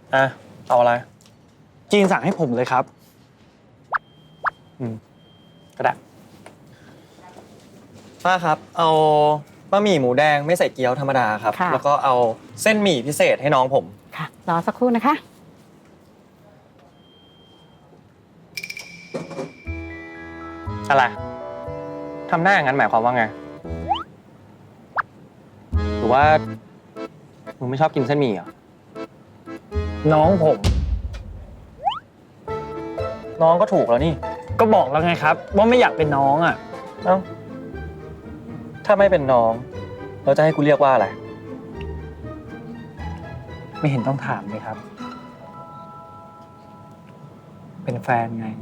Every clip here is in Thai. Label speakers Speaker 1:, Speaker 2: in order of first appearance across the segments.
Speaker 1: อ่ะเอาอะไร
Speaker 2: จีนสั่งให้ผมเลยครับ
Speaker 1: ก็ได้ป้าครับเอาบะหมี่หมูแดงไม่ใส่เกี๊ยวธรรมดาครับแล้วก็เอาเส้นหมี่พิเศษให้น้องผม
Speaker 3: ค่ะรอสักครู่นะคะ
Speaker 1: อะไรทำหน้าอย่างนั้นหมายความว่าไงหรือว่ามึงไม่ชอบกินเส้นหมี่เหรอ
Speaker 2: น้องผม
Speaker 1: น้องก็ถูกแล้วนี่
Speaker 2: ก็บอกแล้วไงครับว่าไม่อยากเป็นน้องอ่ะ
Speaker 1: เอ้าถ้าไม่เป็นน้องเราจะให้กูเรียกว่าอะไร
Speaker 2: ไม่เห็นต้องถามเลยครับเป็นแฟนไง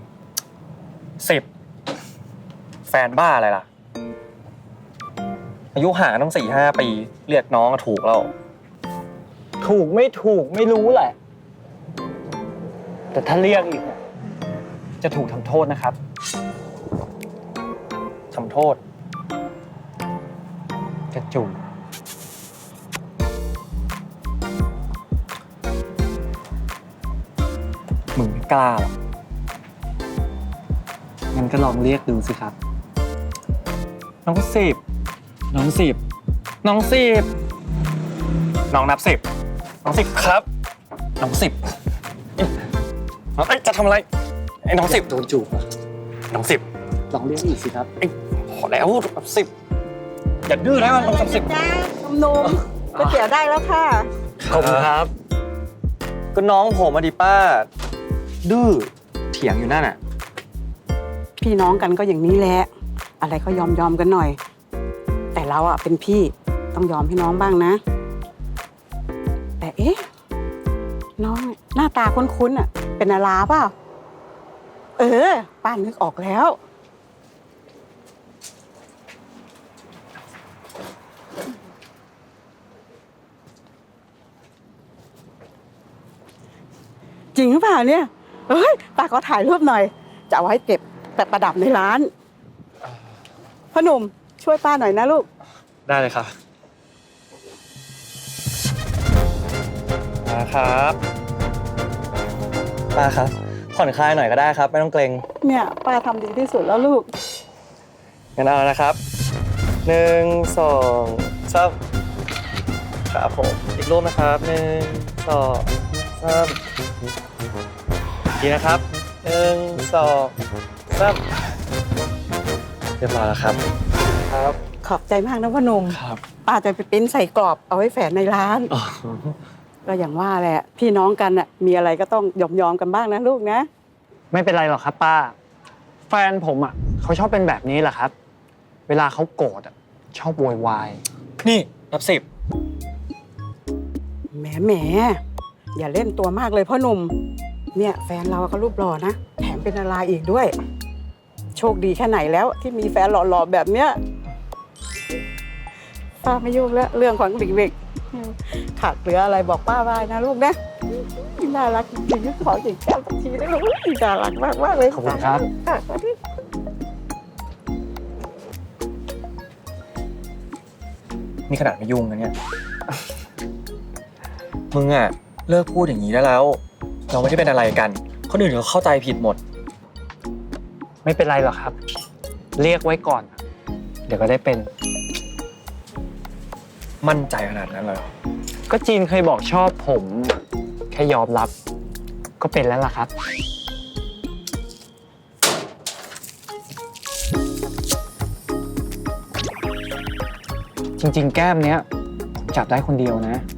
Speaker 1: 10แฟนบ้าอะไรล่ะอายุห่างกันต้อง4-5 ปีเรียกน้องก็ถูกแล้ว
Speaker 2: ถูกไม่ถูกไม่รู้แหละแต่ถ้าเรียกอีกจะถูกทำโทษนะครับ
Speaker 1: ทำโทษ
Speaker 2: กระจุ
Speaker 1: มึงไม่กล้าหรอก
Speaker 2: งั้นก็ลองเรียกดูสิครับ
Speaker 1: น้อง10น้อง10น้อง10น้องนับ10น้อง10ครับน้อง10น้องจะทำอะไรไอ้น้อง10
Speaker 2: โดนจูบ
Speaker 1: น้อง10
Speaker 2: ลองเรียกอีกสิครับ
Speaker 1: พอแล้ว10อย่าดื้อนะน้อง10
Speaker 3: จ้าหนุ่มก๋วยเตี๋ยวได้แล้วค่ะ
Speaker 1: ขอบคุณครับก็น้องผมมาดิป้าดื้อเถียงอยู่นั่นน่ะ
Speaker 3: พี่น้องกันก็อย่างนี้แหละอะไรก็ยอมกันหน่อยแต่เราอ่ะเป็นพี่ต้องยอมให้น้องบ้างนะแต่เอ๊ะน้องหน้าตาคุ้นๆอ่ะเป็นอาลาเปล่าป้านึกออกแล้วจริงหรือเปล่าเนี่ยป้าขอถ่ายรูปหน่อยจะเอาไว้เก็บแต่ประดับในร้านพ่อหนุ่มช่วยป้าหน่อยนะลูก
Speaker 1: ได้เลยครับมาครับป้าครับผ่อนคลายหน่อยก็ได้ครับไม่ต้องเกรง
Speaker 3: เนี่ยป้าทำดีที่สุดแล้วลูก
Speaker 1: งั้นเอานะครับ1 2 3ครับผมอีกรูปนะครับ1 2 3ดีนะครับ1 2 3เรียบร้อยแล้วครับครับ
Speaker 3: ขอบใจมากนะพ่อหนุ่ม
Speaker 1: ครับ
Speaker 3: ป้าจะไปปริ้นใส่กรอบเอาไว้แฝนในร้านก็อย่างว่าแหละพี่น้องกันน่ะมีอะไรก็ต้องยอมกันบ้างนะลูกนะ
Speaker 2: ไม่เป็นไรหรอกครับป้าแฟนผมอ่ะเขาชอบเป็นแบบนี้แหละครับเวลาเขาโกรธอ่ะชอบโวยวาย
Speaker 1: นี่นับ
Speaker 3: 10แหมอย่าเล่นตัวมากเลยพ่อหนุ่มเนี่ยแฟนเราก็รูปหล่อนะแถมเป็นดาราอีกด้วยโชคดีแค่ไหนแล้วที่มีแฟนหล่อๆแบบเนี้ยป้าไม่ยุ่งแล้วเรื่องของเด็กๆขาดเหลืออะไรบอกป้าได้นะลูกนะน่ารักจริงๆขอจิกแก้วสักทีได้ลูกน่ารักมากๆเลย
Speaker 2: ขอบคุณครับ
Speaker 1: นี่ขนาดไม่ยุ่งนะเนี่ยมึงอ่ะเลิกพูดอย่างนี้ได้แล้วเราไม่ได้เป็นอะไรกันคนอื่นเขาเข้าใจผิดหมด
Speaker 2: ไม่เป็นไรหรอกครับเรียกไว้ก่อนเดี๋ยวก็ได้เป็น
Speaker 1: มั่นใจขนาดนั้นเลย
Speaker 2: ก็จีนเคยบอกชอบผมแค่ยอมรับก็เป็นแล้วล่ะครับจริงๆแก้มเนี้ยผมจับได้คนเดียวนะ